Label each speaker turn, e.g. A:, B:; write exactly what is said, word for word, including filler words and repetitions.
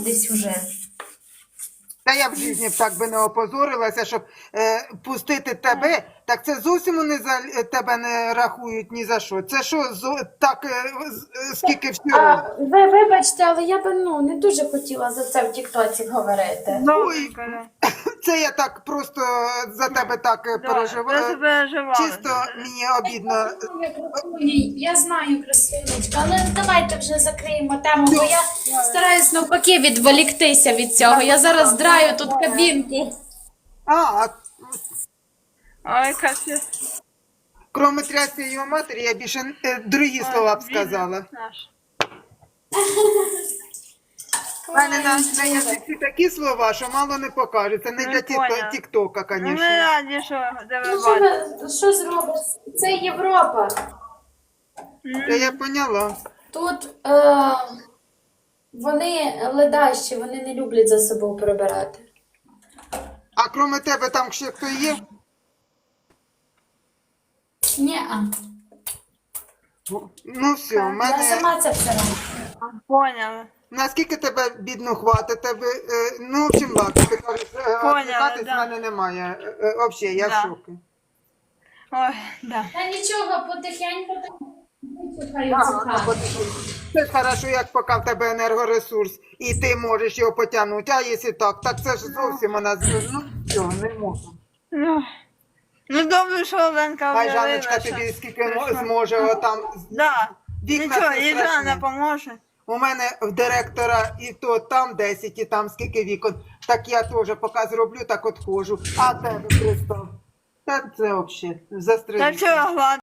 A: десь уже.
B: Та я в житті б так би не опозорилася, щоб е, пустити тебе, так це зовсім вони за тебе не рахують ні за що. Це що, зо, так, е, з- скільки всього?
A: А, ви вибачте, але я би ну, не дуже хотіла за це в Тіктоці говорити.
B: Ой, це я так просто за тебе так е, переживаю. Чисто мені обідно.
A: Я знаю, красунечка, але давайте вже закриємо тему, бо я стараюсь навпаки відволіктися від цього. Я зараз драю тут кабінку.
B: А,
C: Ой, Катя.
B: кроме трясти його матері, я більше е, другі слова б сказала.
C: Наш.
B: У мене на, на язиці такі слова, що мало не покажеться. Не
C: Ну,
B: для
C: поняла.
B: тіктока,
C: Ну, ми
B: звісно.
C: раді, що тебе
A: Ну, що,
C: бачимо.
A: ви- що зробиш? Це Європа.
B: Та я поняла.
A: Тут е, вони ледащі, вони не люблять за собою прибирати.
B: А кроме тебе там ще хто є?
A: Ні-а.
B: Ну все, в
A: Я
B: мене...
A: сама це все роблю.
C: Поняла.
B: Наскільки тебе бідно хватить, тебе, е, ну, в общем, ладно, ти кажеш, е,
C: Поняла,
B: відвлекатись
C: да.
B: в мене немає. Е, е, Взагалі, я
C: Да.
B: в шокі.
C: Ой, да.
A: Та нічого, потихеньку там вичухаю
B: Ага,
A: цю
B: а
A: хату.
B: потім- Це ж хорошо, як поки в тебе енергоресурс, і ти можеш його потягнути, а якщо так, так це ж зовсім вона, з- ну, все, не можна.
C: Ну, ну добре, що Оленка
B: Хай
C: об'явила,
B: Жанночка
C: що
B: тобі скільки
C: прийшла.
B: зможе отам.
C: Да.
B: Вікна
C: Нічого,
B: це
C: і
B: страшне.
C: Жанна поможе.
B: У мене в директора і то там десять, і там скільки вікон. Так я теж поки зроблю, так от ходжу. А тебе пристав. Так це взагалі
C: Та
B: застрелити.
C: чого, ладно.